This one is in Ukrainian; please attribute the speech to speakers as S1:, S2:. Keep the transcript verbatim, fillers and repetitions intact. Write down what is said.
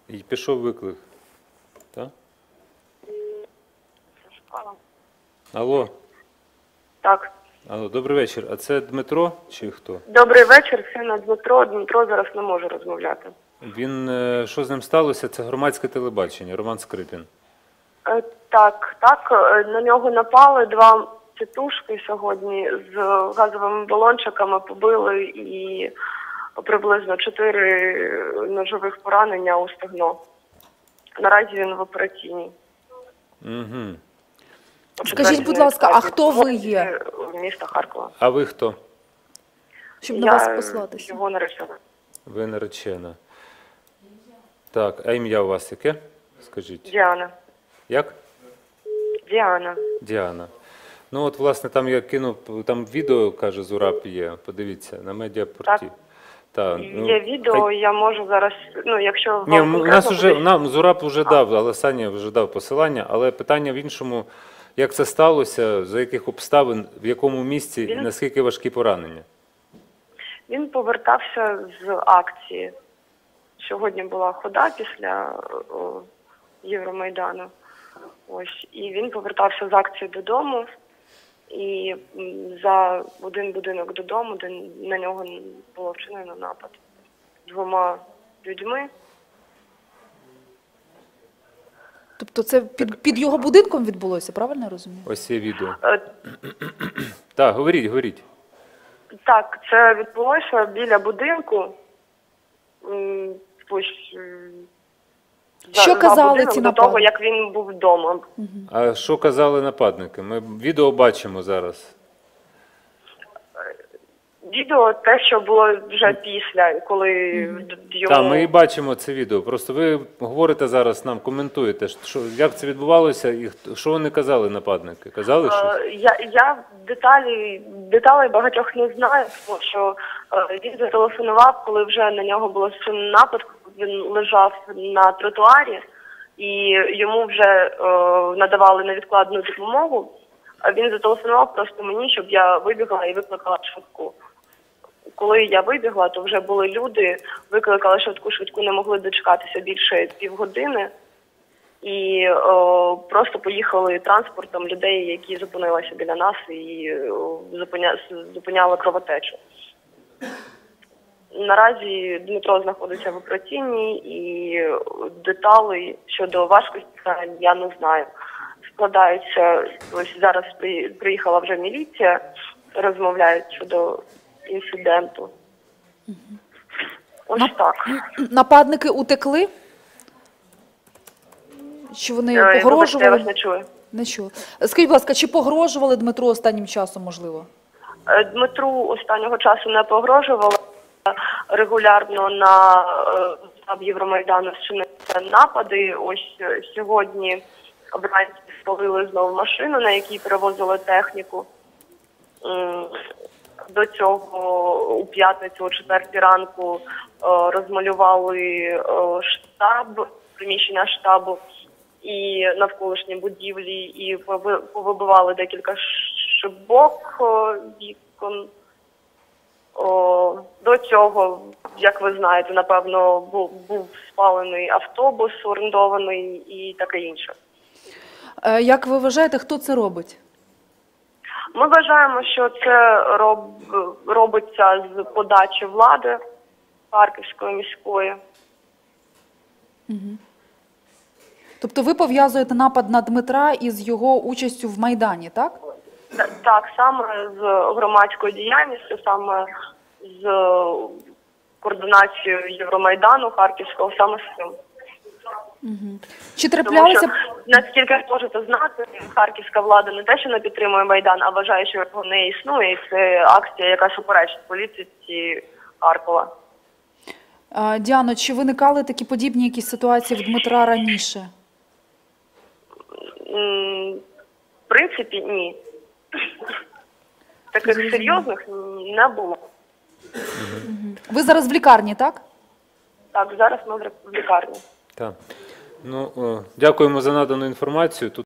S1: І пішов виклик. Так? Алло.
S2: Так.
S1: Алло, добрий вечір. А це Дмитро чи хто?
S2: Добрий вечір, це на Дмитро. Дмитро зараз не може розмовляти.
S1: Він, е, що з ним сталося? Це громадське телебачення, Роман Скрипін.
S2: Е, Так, так, е, на нього напали два тітушки сьогодні з газовими балончиками, побили і приблизно чотири ножових поранення у стегно. Наразі він в операційній.
S1: Угу.
S3: Скажіть, будь ласка, а хто ви є?
S2: Міста Харкова.
S1: А ви хто?
S3: Щоб на
S2: Я
S3: вас послатися.
S2: його наречена.
S1: Ви наречена. Так, а ім'я у вас яке? Скажіть.
S2: Діана.
S1: Як?
S2: Діана.
S1: Діана. Ну от, власне, там я кинув, там відео, каже, Зураб є, подивіться, на медіапорті.
S2: Так.
S1: Та, ну,
S2: Є відео,
S1: хай-
S2: я можу зараз, ну, якщо вам
S1: Ні, у
S2: конкретно
S1: нас вже,
S2: буде-
S1: нам Зураб вже дав, але Саня вже дав посилання, але питання в іншому, як це сталося, за яких обставин, в якому місці і
S2: Він-
S1: наскільки важкі поранення?
S2: Він повертався з акції. Сьогодні була хода після о, Євромайдану. Ось. І він повертався з акції додому. І м, за один будинок додому, де на нього було вчинено напад двома людьми.
S3: Тобто це під, під його будинком відбулося, правильно я розумію?
S1: Ось є відео.
S2: Е,
S1: Так, говоріть, говоріть.
S2: Так, це відбулося біля будинку. М, Ось, м, за-
S3: Що
S2: за
S3: казали
S2: будинок
S3: ці
S2: до того,
S3: нападники?
S2: як він був вдома.
S1: А що казали нападники? Ми відео бачимо зараз.
S2: Відео те, що було вже після, коли йому...
S1: Так, ми і бачимо це відео. Просто ви говорите зараз нам, коментуєте, що, як це відбувалося і хто- що вони казали нападники? Казали щось?
S2: Е, Я, я деталі, деталей багатьох не знаю, тому що е, він зателефонував, коли вже на нього було вчинено напад, він лежав на тротуарі, і йому вже е, надавали невідкладну допомогу. А він зателефонував просто мені, щоб я вибігла і викликала швидку. Коли я вибігла, то вже були люди, викликали швидку, швидку не могли дочекатися більше півгодини. І о, просто поїхали транспортом людей, які зупинилися біля нас і о, зупиня, зупиняли кровотечу. Наразі Дмитро знаходиться в операційній і деталей щодо важкості я не знаю. Складаються, ось зараз при- приїхала вже міліція, розмовляють щодо інциденту. Ось
S3: Нап-
S2: так.
S3: Нападники утекли? Чи вони
S2: Е, Вибачте, я
S3: погрожували?
S2: вас не чую.
S3: Не чула. Скажіть, будь ласка, чи погрожували Дмитру останнім часом, можливо?
S2: Е, Дмитру останнього часу не погрожувало. Регулярно на е, штаб Євромайдану вчинилися напади. Ось е, сьогодні вранці спалили знову машину, на якій перевозили техніку. М, До цього у п'ятницю о четвертій ранку е, розмалювали е, штаб, приміщення штабу і навколишні будівлі, і пови- повибивали декілька шибок е, вікон. О, до цього, як ви знаєте, напевно, був, був спалений автобус орендований і таке інше.
S3: Е, Як ви вважаєте, хто це робить?
S2: Ми вважаємо, що це роб, робиться з подачі влади Харківської міської.
S3: Тобто ви пов'язуєте напад на Дмитра із його участю в Майдані, так?
S2: Та- Так, саме з громадською діяльністю, саме з координацією Євромайдану Харківського, саме з цим.
S3: Чи
S2: Тому
S3: траплялися...
S2: що, наскільки ви можете знати, харківська влада не те, що не підтримує Майдан, а вважає, що його не існує, і це акція, яка суперечить політиці Харкова.
S3: Е, Діано, чи виникали такі подібні якісь ситуації в Дмитра раніше?
S2: М, В принципі, ні. Таких серйозних не було.
S3: Ви зараз в лікарні, так?
S2: Так, зараз ми в лікарні.
S1: Так. Ну, о, дякуємо за надану інформацію. Тут